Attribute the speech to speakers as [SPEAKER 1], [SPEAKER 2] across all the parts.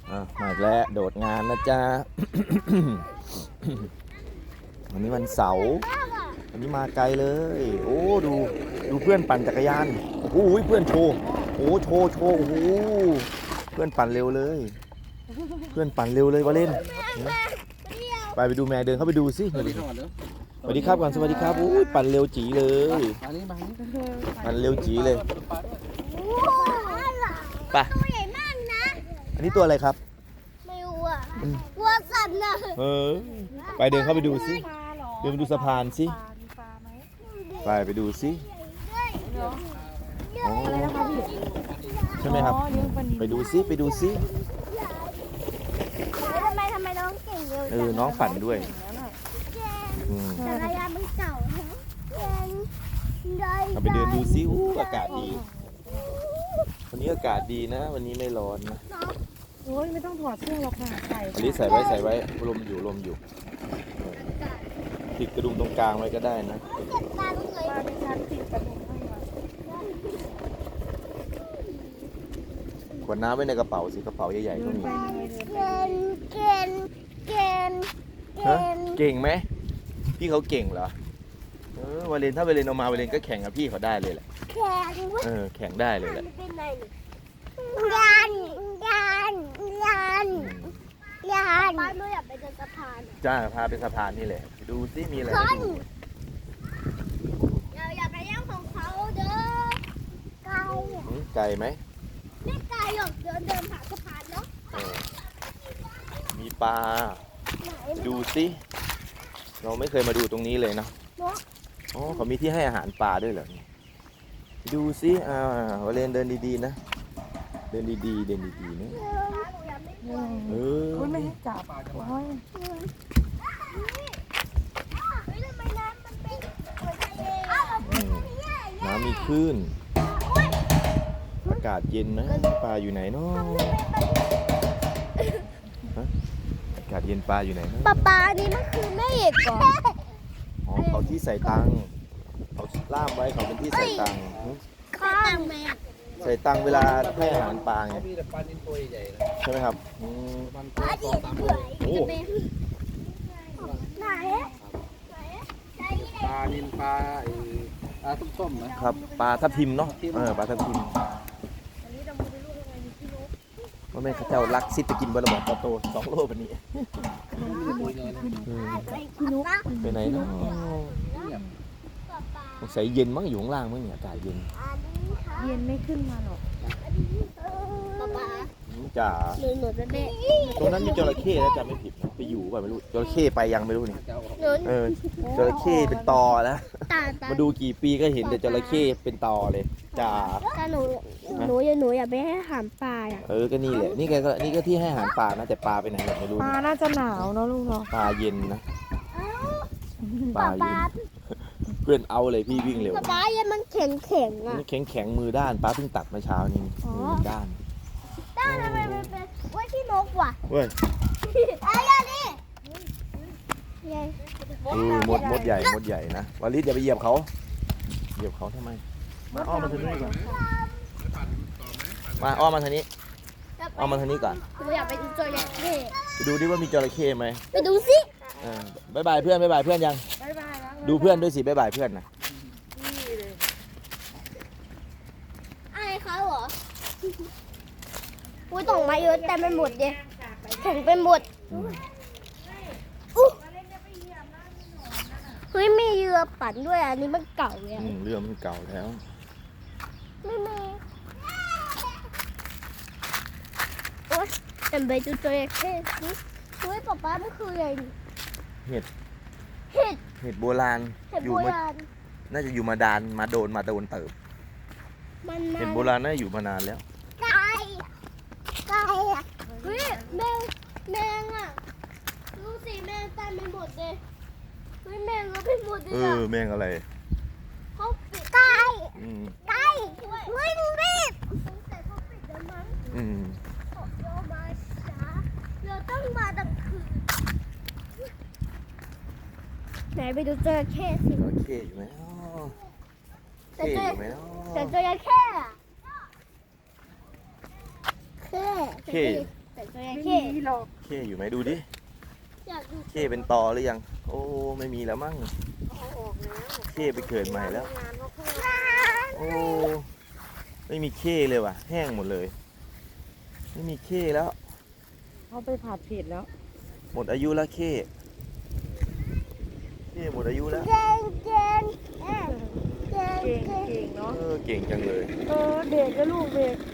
[SPEAKER 1] มาอีกแล้วโดดงานนะจ๊ะ วันนี้วันเสาร์วันนี้มาไกลเลยโอ้ดูเพื่อนปั่นจักรยานโอ้ยเพื่อนโชว์โอ้โชว์โอ้โหเพื่อนปั่นเร็วเลยเพื่อนปั่นเร็วเลยวาเล่นไปดูแม่เดินเข้าไปดูสิสวัสดีครับก่อนสวัสดีครับโอ้ยปั่นเร็วจีเลยปั่นเร็วจีเลยไป
[SPEAKER 2] ตัวใหญ่มากนะ
[SPEAKER 1] อันนี้ตัวอะไรครับ
[SPEAKER 2] ไม่รู้อ่ะวัวสัตว์นะ
[SPEAKER 1] ไปเดินเข้าไปดูสิเดินไปดูสะพานสิไปดูสิใช่ไหมครับไปดูสิ
[SPEAKER 2] ทำไมน้องเก่งเร็ว
[SPEAKER 1] น้องปั่นด้วย
[SPEAKER 2] จักรยานมันเก่า
[SPEAKER 1] เราไปเดินดูซิอากาศดีวันนี้อากาศดีนะวันนี้ไม่ร้อนนะ
[SPEAKER 3] โอ้ยไม่ต้องถอดเสื้อหรอกค่ะ
[SPEAKER 1] อันนี้ใส่ไว้ลมอยู่ติดกระดุมตรงกลางไว้ก็ได้นะ
[SPEAKER 3] บ้านดิฉันติดกระดุมให้มา
[SPEAKER 1] ขวดน้ำไว้ในกระเป๋าสิกระเป๋าใหญ่ๆก็มีเก่งไหมพี่เขาเก่งเหรอวาเลนถ้าวาเลนเอามาวาเลนก็แข่งกับพี่เขาได้เลยแหละแข่งได้เลยแหละ
[SPEAKER 2] ยันบ้านไม่อยากไปเดินสะพาน
[SPEAKER 1] จ้าพาไปสะพานนี่แหละดูซิมีอะไรให้ดู
[SPEAKER 2] อย่าไปย่างของเขาเด้อ
[SPEAKER 1] ไกลไหม
[SPEAKER 2] ไม่ไกลหรอกเดินผ่านสะพานเนาะ
[SPEAKER 1] มีปลาดูซิเราไม่เคยมาดูตรงนี้เลยนะอ๋อเขามีที่ให้อาหารปลาด้วยเหรอดูซิวาเลนเดินดีๆนะเดินดีๆนะ
[SPEAKER 3] ไม่ให้จับโอ้ย
[SPEAKER 1] น้ำมีคลื่นอากาศเย็นนะปลาอยู่ไหนเนาะอากาศเย็นปลาอยู่ไหนเนาะ
[SPEAKER 2] ปลานี่มันคือแม่เอกเหรอ
[SPEAKER 1] เขาที่ใส่ตังเขาล่ามไว้เขาเป็นที่ใส่ตัง
[SPEAKER 2] ข้างแม่
[SPEAKER 1] ใส่ตังเวลาให้อาหารปลาไงใช่ไหมครับ
[SPEAKER 2] ปลาดิบ
[SPEAKER 1] โอ้
[SPEAKER 2] ไหน
[SPEAKER 4] ปลานิลปลาส้มๆนะครับ
[SPEAKER 1] ปลาทับทิมเนาะปลาทับทิมว่าแม่ข้าเจ้ารักซิดไปกินบะระบอกโต2 โลแบบนี้ไปไหนเนาะสงสัยเย็นมั้งอยู่ข้างล่างมั้งเนี่ยอากาศเย็น
[SPEAKER 3] ไม่ขึ้นมาหรอก
[SPEAKER 1] จ๋า
[SPEAKER 2] หนูจะเด็ก
[SPEAKER 1] ตรงนั้นมีจระเข้แล้วจำไม่ผิดไปอยู่ป่ะไม่รู้จระเข้ไปยังไม่รู้นี่จระเข้เป็นตอแล้วมาดูกี่ปีก็เห็นแต่จระเข้เป็นตอเลยจ๋า
[SPEAKER 2] ถ้าหนูอย่าไปให้อาหารปลาอ่ะ
[SPEAKER 1] ก็นี่แหละนี่ก็ที่ให้อาหารปลานะแต่ปลาไปไหนไม่รู้
[SPEAKER 3] ปลาน่าจะหนาวเนาะลูกเนาะ
[SPEAKER 1] ปลาเย็นนะปลาเย็นเพื่อนเอาเลยพี่วิ่งเร็ว
[SPEAKER 2] ปลาเย็นมันแข็งอ่ะ
[SPEAKER 1] แข็งมือด้านปลาเพิ่งตัดมาเช้านี่มือด้าน
[SPEAKER 2] ทำไมเป็นไว้ที่นกว่ะ
[SPEAKER 1] เว้ย
[SPEAKER 2] อะไรนี่
[SPEAKER 1] มดใหญ่นะวาลิสอย่าไปเหยียบเขาทำไมมาอ้อมมาทางนี้ก่อนมาอ้อมมาทางนี้ก่อน
[SPEAKER 2] หนูอยากไปดูจระเข้
[SPEAKER 1] ไปดูดิว่ามีจระเข้ไหม
[SPEAKER 2] ไปดูสิ
[SPEAKER 1] บ๊ายบายเพื่อนยังดูเพื่อนด้วยสิบ๊ายบายเพื่อนนะ
[SPEAKER 2] ไอ้เขาเหรออุ้ยส่งมาเยอะแต่ไม่หมดเลยแข็งไปหมดเฮ้ยมีเรือปั่นด้วยอันนี้มันเก่าแล้ว
[SPEAKER 1] เรือมันเก่าแล้ว
[SPEAKER 2] ไม่มีโอ๊ยแต่ไปดูตัวเท่สิเฮ้ยป๊ามันคืออะไร
[SPEAKER 1] เห็ดโบราณน่าจะอยู่มาโดนเติบเห็ดโบราณน่าอยู่มานานแล้ว
[SPEAKER 2] ไก่อะเฮ้ยแมงอ่ะดูสิแมงตายไปหมดเลยเฮ้ยแมงก็ไปหมดเลย
[SPEAKER 1] แมงอะไร
[SPEAKER 2] เขาปิดไก่เฮ้ยมึงรีบแต่เขาปิดแล้วมั้งเรามาช้าเราต้องมาตั้งคืนไหนไปดูจระเข้สิ
[SPEAKER 1] จระเข้อยู่ไหมแต่จระ
[SPEAKER 2] เข้อะเข้จระ
[SPEAKER 3] ไม่
[SPEAKER 2] เข้
[SPEAKER 3] มีหรอก
[SPEAKER 1] เข้อยู่ไหมดูดิ
[SPEAKER 2] อยากดู
[SPEAKER 1] เข้เป็นตอหรือยัง โอ้ไม่มีแล้วมั้งเข้ไปเกิดใหม่แล้ว โอ้ไม่มีเข้เลยว่ะ แห้งหมดเลย ไม่มีเข้แล้ว
[SPEAKER 3] เขาไปผัดเผ็ดแล้ว
[SPEAKER 1] หมดอายุแล้วเข้หมดอายุแล้ว
[SPEAKER 2] เก่งเก่งเก่ง
[SPEAKER 3] เก่งเก่งเนาะ
[SPEAKER 1] เก่งจังเลย
[SPEAKER 3] เด็กก็ลูกเด็ก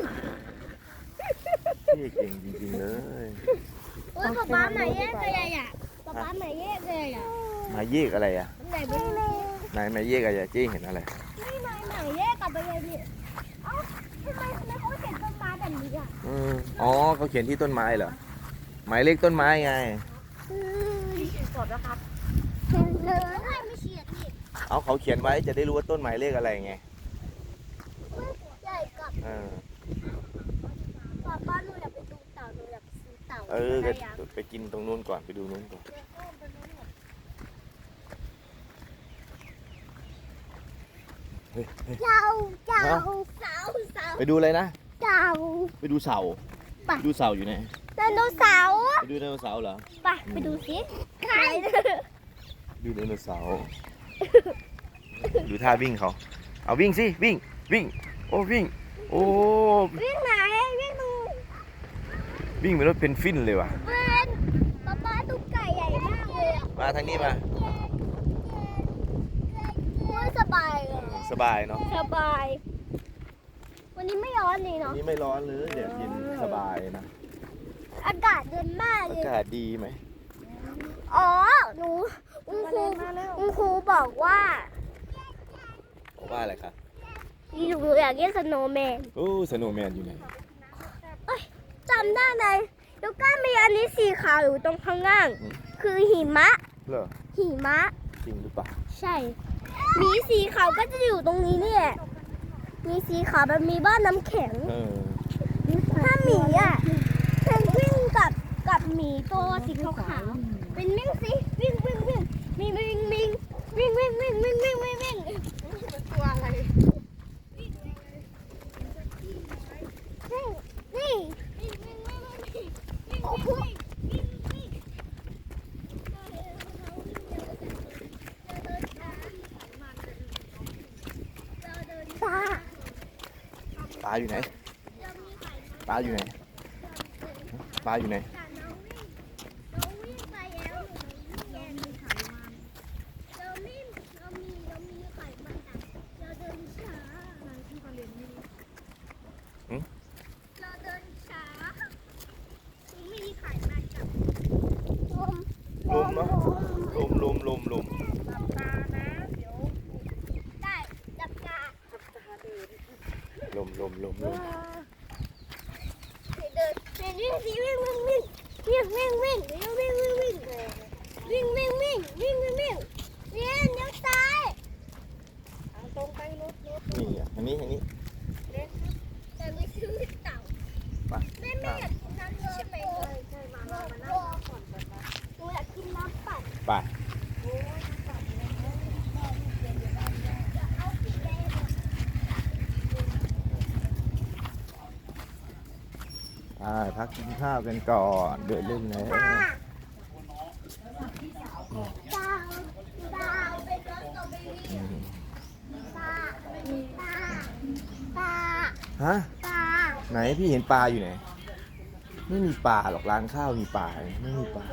[SPEAKER 1] เข้เก่งจริงๆเลย
[SPEAKER 2] เออป๊าป๊าหมายเลขอะไรอ่ะป๊าป๊าหมายเลขอะไรอ่ะ
[SPEAKER 1] หมายเยกอะไรอ่ะ
[SPEAKER 2] ไหนไม่รู้
[SPEAKER 1] ไหนหมายเยกอะไรอะเจ๊เห็นอะไร
[SPEAKER 2] ไม่หมายเลขกับอะไรเนี่ยเอ้าทำไมเขาเขียนต้นไม้แบบนี้อ่ะ
[SPEAKER 1] อ๋อเขาเขียนที่ต้นไม้เหรอ หมายเลขต้นไม้ไง
[SPEAKER 3] สดแล้วครับ
[SPEAKER 2] เห็นเลยใครไม่เขียนนี่
[SPEAKER 1] เอาเขาเขียนไว้จะได้รู้ว่าต้นหมายเลขอะไรไง
[SPEAKER 2] ใหญ่กับ
[SPEAKER 1] เออ
[SPEAKER 2] ป๊าป๊าหนูอยากไปดูเต่าหนูอยากไปซื้อเต่า
[SPEAKER 1] เออ
[SPEAKER 2] อะไรอ่ะ
[SPEAKER 1] ไปกินตรงนู้นก่อนไปดูนู้นก่อนเฮ้ย
[SPEAKER 2] เต่าเต่า
[SPEAKER 1] ฮะ
[SPEAKER 2] เต่าเต่า
[SPEAKER 1] ไปดูอะไรนะ
[SPEAKER 2] เต่า
[SPEAKER 1] ไปดูเสา
[SPEAKER 2] ไป
[SPEAKER 1] ดูเสาอยู่ไหน
[SPEAKER 2] ไดโนเสาร์
[SPEAKER 1] ไปดูไดโนเสาร์เหรอ
[SPEAKER 2] ไปดูสิใคร
[SPEAKER 1] ดูไดโนเสาร์ ดูท่าวิ่งเขา เอาวิ่งสิวิ่งวิ่ง โอ้วิ่ง โอ้
[SPEAKER 2] วิ่งไหนวิ่งตรง
[SPEAKER 1] วิ่งเป็นรถเพนฟินเลยว่ะ
[SPEAKER 2] เป็นป๊าป๊าตุ๊กไก่ใหญ่มากเลยอ่ะ
[SPEAKER 1] มาทางนี้มา
[SPEAKER 2] โอ้ยสบายเลย
[SPEAKER 1] สบายเนาะ
[SPEAKER 2] สบาย วันนี้ไม่ร้อนเลย
[SPEAKER 1] อัน
[SPEAKER 2] เนาะ
[SPEAKER 1] นี้ไม่ร้อนเลยแดดเย็นสบายนะ
[SPEAKER 2] อากาศเย็นมาก
[SPEAKER 1] อา
[SPEAKER 2] เลย
[SPEAKER 1] กาศดีไหม
[SPEAKER 2] อ๋อหนูคุณครูบอกว่า
[SPEAKER 1] บอกว่าอะไรครับ
[SPEAKER 2] หนูอยากเล่นสโนว์แมน
[SPEAKER 1] โอ้สโนว์แมนอยู่ไหน
[SPEAKER 2] จำได้เลยแล้วก็มีอันนี้สีขาวอยู่ตรงข้างล่าง คือหิมะ
[SPEAKER 1] เหรอ
[SPEAKER 2] หิมะ
[SPEAKER 1] จริงหรือเปล่า
[SPEAKER 2] ใช่หมีสีขาวก็จะอยู่ตรงนี้นี่แหละมีสีขาวมันมีบ้านน้ำแข็ง
[SPEAKER 1] เออ
[SPEAKER 2] ถ้าหมีอ่ะเพนกวินกับหมีตัวสีขาวๆเป็นวิ่งสิวิ่งวิ่งวิ่งมีวิ่งวิ่งวิ่งวิ่งวิ่งวิ่งวิ่งวิ่งวิ่งตัวอะไรนี่โอ้โหตา
[SPEAKER 1] ปลาอยู่ไหน ปลาอยู่ไหน ปลาอยู่ไหน
[SPEAKER 2] เราวิ่งไปแล้วเรามีไขมันเรามีไขมันเราเดินช้าเราเดินช้ามีไขมันกับลม
[SPEAKER 1] ลมเนาะ ลม
[SPEAKER 2] ได้จับกา
[SPEAKER 1] ลม
[SPEAKER 2] เดินวิ่งสิวิ่งวิ่งวิ่งวิ่งวิ่งวิ่งวิ่งวิ่งวิ่งวิ่งวิ่งวิ่งวิ่งวิ่งเลี้ยวซ้าย
[SPEAKER 3] ตรงไปรถ
[SPEAKER 1] นี่อ่ะอันนี้
[SPEAKER 2] แต่ไม่ซื้อเต่า
[SPEAKER 1] ไป
[SPEAKER 2] แม่อยากกินน้ำเยอะไปเลยใช่มานั่งก่อนหนูอยากกินน้ำปั่น
[SPEAKER 1] ไป
[SPEAKER 2] เอาสีแดง
[SPEAKER 1] พักกินข้าวกันก่อนเดินเล่นแล้ว
[SPEAKER 2] ดาวเป็นรถสตรอเบอรี่ตา
[SPEAKER 1] ฮะ ไหนพี่เห็นปลาอยู่ไหน ไม่มีปลาหรอกร้านข้าวมีปลาไหมไม่มีปลา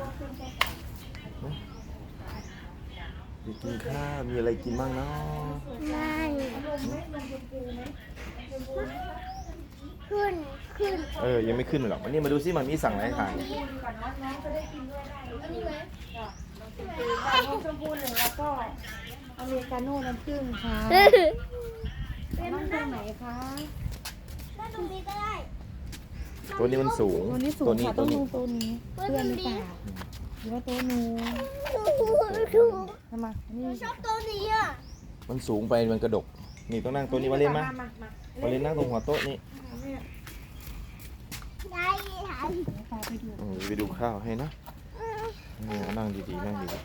[SPEAKER 1] ไปกินข้าวมีอะไรกินบ้างเนาะ
[SPEAKER 2] ไม่ขึ้น
[SPEAKER 1] ยังไม่ขึ้นหรอกวันนี้มาดูซิมันมีสั่งอะไรให้ทาน
[SPEAKER 3] น้องชมพูหนึ่งแล้วก็อเมริกาโน่น้ำผึ้งค่ะน้องตรงไหนคะ
[SPEAKER 2] ถ้าตรงนี้ก็ได้
[SPEAKER 1] ตัวนี้มันสูง
[SPEAKER 3] ตัวนี้สูงค่ะ
[SPEAKER 1] ตั
[SPEAKER 3] ต้
[SPEAKER 1] วน นี้
[SPEAKER 3] นูตัวนี้เพื่อนหรือเปล่าหรือว่าตัวนูทำไมนี่
[SPEAKER 2] ชอบตัวนี้อ่ะ
[SPEAKER 1] มันสูงไปมันกระดก นี่ต้องนั่งตัวนี้มาเล่นมั้ยมาเล่นนั่งตรงหัวโต๊ะนี่
[SPEAKER 2] ได้ค่ะ
[SPEAKER 1] ไปดูข้าวให้นะนั่งดีๆนั่งดีๆ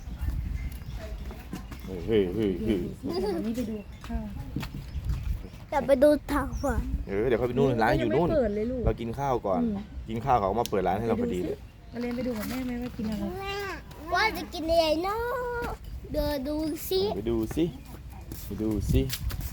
[SPEAKER 1] เฮ้ย
[SPEAKER 3] เดี๋ยววันนี้ไปดูข้าว
[SPEAKER 2] แต่ไปดูทางฝั่ง
[SPEAKER 1] เดี๋ยวเขาไปนู่นร้านอยู่นู่น
[SPEAKER 3] ไม่เปิดเลยลูก
[SPEAKER 1] เรากินข้าวก่อน กินข้าวเขาก็มาเปิดร้านให้เราพอดีเลย
[SPEAKER 3] มาเรียนไปดูกับแม่ไหมว่ากินอะไร
[SPEAKER 2] ว่าจะกินอะไรเนาะเดินดูสิ
[SPEAKER 1] ไปดูสิไปดูสิ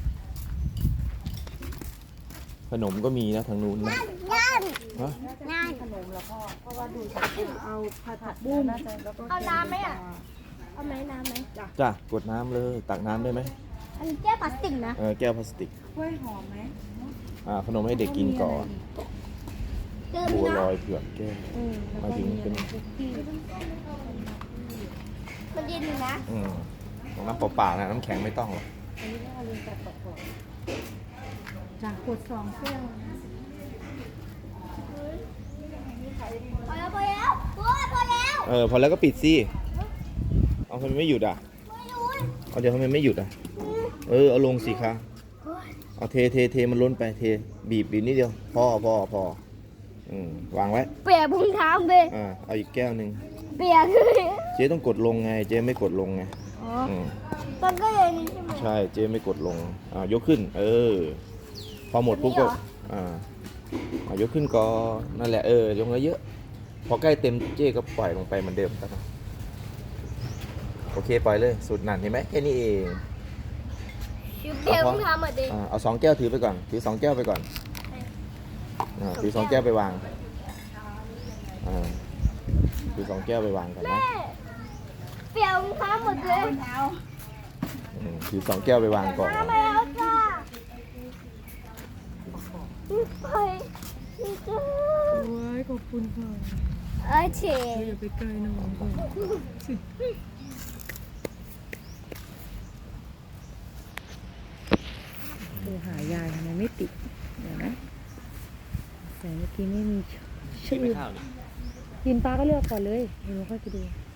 [SPEAKER 1] ขนมก็มีนะทางนู้นนะ
[SPEAKER 2] นั่น
[SPEAKER 1] ฮะ
[SPEAKER 2] นั่น
[SPEAKER 3] ขนมแล้วก็เพราะว่าดูจากเอาผัดบุ้งแล้วก็
[SPEAKER 2] เอาน้ำไหมอ่ะเอาไหมน้ำไหม
[SPEAKER 1] จ้ะกดน้ำเลยตักน้ำได้ไหม
[SPEAKER 2] อันนี้แก้วพลาสติกนะ
[SPEAKER 1] แก้วพลาสติก
[SPEAKER 3] กล้วยหอมไหม
[SPEAKER 1] ขนมให้เด็กกินก่อน
[SPEAKER 2] เดิน
[SPEAKER 1] บัว
[SPEAKER 2] นะ
[SPEAKER 1] ลอยเผือกแก้ว หมายถึงเป็น
[SPEAKER 2] มันเย็นอยู่นะ
[SPEAKER 1] ของน้ำเปล่าๆนะน้ำแข็งไม่ต้องหรอก
[SPEAKER 3] อันนี้ก็เอาเรียนจากต่อจากกด2แก้ว
[SPEAKER 2] พอแล้วพอแล้วพอแล้ว
[SPEAKER 1] พอแล้วก็ปิดสิเอาทำไมไม่หยุดอ่ะ
[SPEAKER 2] ไม่รู้
[SPEAKER 1] เอาเดี๋ยวทำไมไม่หยุดอ่ะเอาลงสิคะเอาเทมันล้นไปเทบีบนิดเดียวพอวางไว้
[SPEAKER 2] เปียกพุงเท้าไป
[SPEAKER 1] เอาอีกแก้วหนึ่ง
[SPEAKER 2] เปียกเลย
[SPEAKER 1] เจ๊ต้องกดลงไงเจ๊ไม่กดลงไง
[SPEAKER 2] อ๋อ
[SPEAKER 1] อืม
[SPEAKER 2] มันก็อย่างนี้ใช่ไหม
[SPEAKER 1] ใช่เจ๊ไม่กดลงยกขึ้น พอหมดปุ๊บก็ยกขึ้นก็นั่นแหละยกเยอะๆพอใกล้เต็มเจ๊ก็ปล่อยลงไปเหมือนเดิมครับโอเคปล่อยเลยสุดนั่นเห็นไหมแค่นี้เอง
[SPEAKER 2] เปียกพุงเท้าหมดเลย
[SPEAKER 1] เอา2 แก้วถือไปก่อนถือ2 แก้วไปก่อนถือ2 แก้วไปวางถือ2 แก้วไปวางก่อนนะ
[SPEAKER 2] แม่เปียกพุงเท้าหมดเลย
[SPEAKER 1] ถือ2 แก้วไปวางก่อน
[SPEAKER 2] น้ำมาแล้วจ้าไปนี่จ้า
[SPEAKER 3] โอ้ยขอบคุณค่ะ
[SPEAKER 2] เฉย
[SPEAKER 3] อย่าไปไกลนะผมก่อนดูหายายทำไมไม่ติดเดี๋ยวนะแต่เมื่อกี้ไม่มีชื่อกินปลาก็เลือกก่อนเลยเดี๋ยวเราค่อยไปดู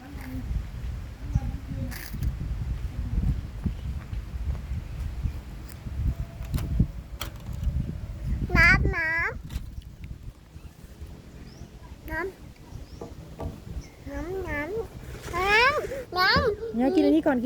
[SPEAKER 2] น้ำ
[SPEAKER 3] เนี่ยกินอันนี้ก่อน